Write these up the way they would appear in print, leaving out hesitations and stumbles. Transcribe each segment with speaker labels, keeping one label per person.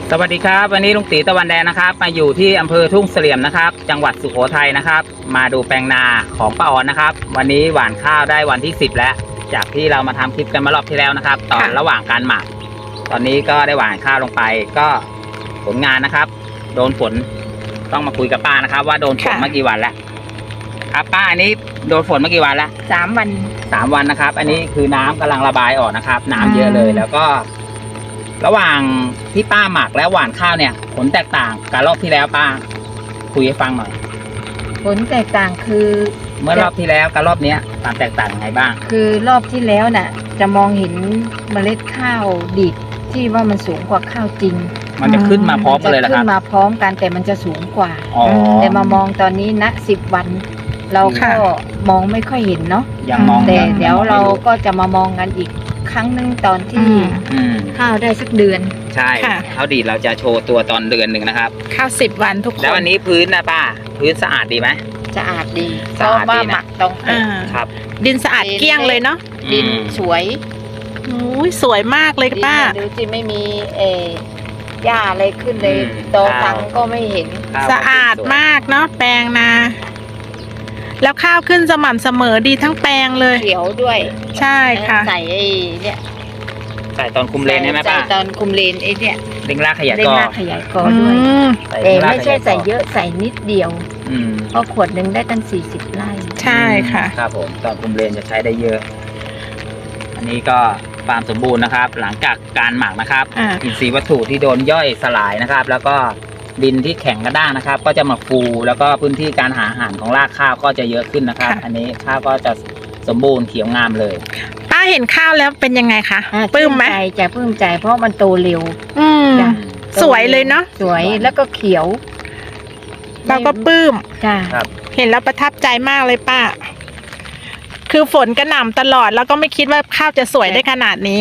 Speaker 1: สวัสดีครับวันนี้ลุงตีตะวันแดงนะครับมาอยู่ที่อำเภอทุ่งเสลี่ยมนะครับจังหวัดสุโขทัยนะครับมาดูแปลงนาของป้าออนนะครับวันนี้หว่านข้าวได้วันที่10แล้วจากที่เรามาทำคลิปกันมารอบที่แล้วนะครับตอนระหว่างการหมักตอนนี้ก็ได้หว่านข้าวลงไปก็ผลงานนะครับโดนฝนต้องมาคุยกับป้านะครับว่าโดนฝนมากี่วันแล้วครับป้าอันนี้โดนฝนมากี่วันแล้ว
Speaker 2: 3 วัน
Speaker 1: 3 วันนะครับอันนี้คือน้ำกำลังระบายออกนะครับน้ำเยอะเลยแล้วก็ระหว่างที่ป้าหมักแล้วหว่านข้าวเนี่ยผลแตกต่างกับรอบที่แล้วป้าคุยให้ฟังหน่อย
Speaker 2: ผลแตกต่างคือ
Speaker 1: เมื่อรอบที่แล้วกับรอบนี้ความแตกต่างยังไงบ้าง
Speaker 2: คือรอบที่แล้วน่ะจะมองเห็นเมล็ดข้าวดิบที่ว่ามันสูงกว่าข้าวจริง
Speaker 1: มันจะขึ้นมาพร้อมกันเลยเหรอครับ
Speaker 2: ขึ้นมาพร้อมกันแต่มันจะสูงกว่าแต่มามองตอนนี้ณ10 วันเราก็มองไม่ค่อยเห็นเนาะ
Speaker 1: ยังมอง
Speaker 2: แต่เดี๋ยวเราก็จะมามองกันอีกครั้งนึงตอนที่ข้าวได้สักเดือน
Speaker 1: ใช่ข้าวดีเราจะโชว์ตัวตอนเดือนหนึ่งนะครับ
Speaker 3: ข้าว10 วันทุกคน
Speaker 1: แล้ววันนี้พื้นนะป้าพื้นสะอาดดีไหม
Speaker 2: สะอาดดีเพราะว่าหมักตรง
Speaker 1: ครับ
Speaker 3: ดินสะอาดเกลี้ยงเลยเนาะ
Speaker 2: ดินสวย
Speaker 3: สวยมากเลยป้า
Speaker 2: ดูสิไม่มีหญ้าอะไรขึ้นเลยโตตังก็ไม่เห็น
Speaker 3: สะอาดมากเนาะแปลงนาแล้วข้าวขึ้นสม่ำเสมอดีทั้งแปลงเลย
Speaker 2: เขียวด้วย
Speaker 3: ใช่ค่ะ
Speaker 2: ใส่เนี่ย
Speaker 1: ใส่ตอนคุมเลนใช่ไหมป้า
Speaker 2: ใส่ตอนคุมเลนเนี่ย
Speaker 1: เร่งรากขยายกอ
Speaker 2: ด้วยแต่ไม่ใช่ใส่เยอะใส่นิดเดียวเพราะขวดหนึ่งได้ตั้ง40 ไร่
Speaker 3: ใช่ค่ะ
Speaker 1: ครับผมตอนคุมเลนจะใช้ได้เยอะอันนี้ก็ความสมบูรณ์นะครับหลังจากการหมักนะครับอินทรีย์วัตถุที่โดนย่อยสลายนะครับแล้วก็ดินที่แข็งกระด้างนะครับก็จะมาฟูแล้วก็พื้นที่การหาอาหารของรากข้าวก็จะเยอะขึ้นนะครับอันนี้ข้าวก็จะสมบูรณ์เขียวงามเลย
Speaker 3: ป้าเห็นข้าวแล้วเป็นยังไงคะปลื้มไหม
Speaker 2: จะปลื้มใจเพราะมันโตเร็ว
Speaker 3: สวยเลยเนาะ
Speaker 2: สวยแล้วก็เขียว
Speaker 3: เราก็ปลื้ม
Speaker 1: ครับ
Speaker 3: เห็นแล้วประทับใจมากเลยป้าคือฝนกระหน่ำตลอดแล้วก็ไม่คิดว่าข้าวจะสวยได้ขนาดนี้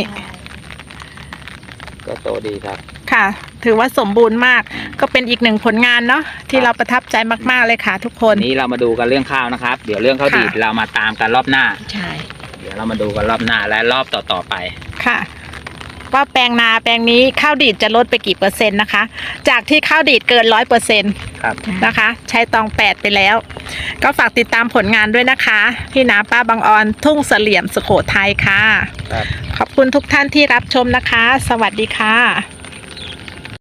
Speaker 1: ก็โตดีครับ
Speaker 3: ค่ะถือว่าสมบูรณ์มากก็เป็นอีกหนึ่งผลงานเนาะที่เราประทับใจมากๆเลยค่ะทุกคน
Speaker 1: นี้เรามาดูกันเรื่องข้าวนะครับเดี๋ยวเรื่องข้าวดีดเรามาตามกันรอบหน้า
Speaker 2: ใช่
Speaker 1: เดี๋ยวเรามาดูกันรอบหน้าและรอบต่อไป
Speaker 3: ค่ะว่าแปลงนาแปลงนี้ข้าวดีดจะลดไปกี่%นะคะจากที่ข้าวดีดเกิน100%
Speaker 1: ครับ
Speaker 3: นะคะใช้ตอง8ไปแล้วก็ฝากติดตามผลงานด้วยนะคะที่นาป้าบางออนทุ่งเสลี่ยมสุโขทัยค่ะขอบคุณทุกท่านที่รับชมนะคะสวัสดีค่ะ